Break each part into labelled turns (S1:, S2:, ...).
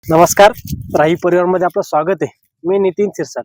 S1: नमस्कार. राही परिवारमध्ये आपलं स्वागत आहे. मी नितीन सिरसाट.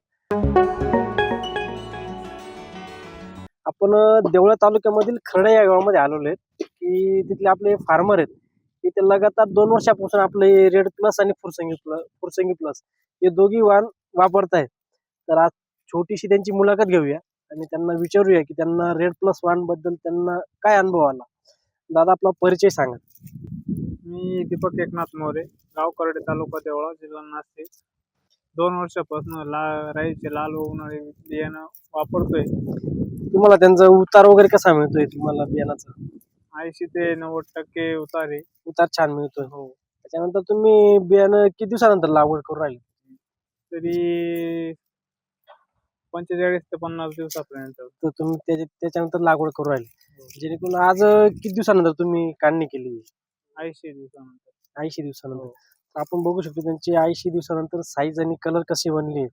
S1: आपण देवळा तालुक्यामधील खर्डा या गावामध्ये आलेलो आहे की तिथले आपले फार्मर आहेत की ते लगातार 2 वर्षापासून आपले रेड प्लस आणि फुरसंगी प्लस हे दोघी वाण वापरत आहेत. तर आज छोटीशी त्यांची मुलाखत घेऊया आणि त्यांना विचारूया की त्यांना रेड प्लस वाण बद्दल त्यांना काय अनुभव आला. दादा, आपला परिचय सांगा.
S2: मी दीपक एकनाथ मोरे, गाव करडे, तालुका देवळा, जिल्हा नाशिक. 2 वर्षापासून राईचे लाल व उन्हाळी बियाणं वापरतोय.
S1: तुम्हाला त्यांचा उतार वगैरे कसा मिळतोय? तुम्हाला बियाणाचा
S2: 80 ते 90% उतार आहे.
S1: उतार छान मिळतोय.
S2: हो.
S1: त्याच्यानंतर तुम्ही बियाणं किती दिवसानंतर लागवड करू राहिले?
S2: तरी 45 ते 50 दिवसापर्यंत.
S1: तर तुम्ही त्याच्यानंतर लागवड करू राहिले. जेणेकरून आज किती दिवसानंतर तुम्ही काढणी केली?
S2: 80 दिवसानंतर.
S1: 80 दिवसानंतर.
S2: हो.
S1: तर आपण बघू शकतो त्यांची 80 दिवसानंतर साईज आणि कलर कशी बनली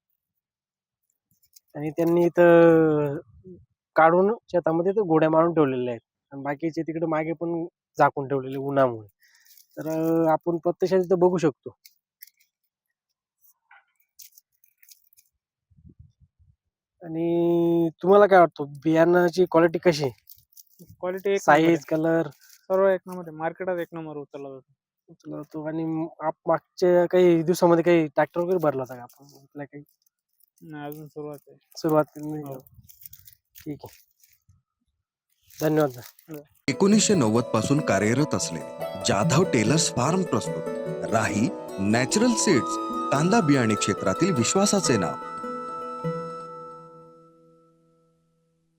S1: आणि त्यांनी इथं काढून शेतामध्ये तो गोड्या मारून ठेवलेल्या आहेत आणि बाकीचे तिकडे मागे पण झाकून ठेवलेले उन्हामुळे. तर आपण प्रत्यक्षात इथं बघू शकतो. आणि तुम्हाला काय वाटतं बियाणाची क्वालिटी कशी आहे?
S2: क्वालिटी एक नंबर आहे.
S1: साईज, कलर
S2: सर्व एक नंबर आहे. मार्केटात एक नंबर उचलला जातो.
S1: उचलतो. आणि मागच्या काही दिवसामध्ये काही ट्रॅक्टर वगैरे भरला होता का आपण? आपल्या काही
S2: नाही, अजून सुरुवात आहे.
S1: सुरुवात नाही
S2: हो.
S1: का? ठीक आहे. धन्यवाद.
S3: 1990 पासून कार्यरत असलेले जाधव टेलर्स फार्म प्रस्तुत राही नॅचरल सीड्स, कांदा बियाणे क्षेत्रातील विश्वासाचे नाव.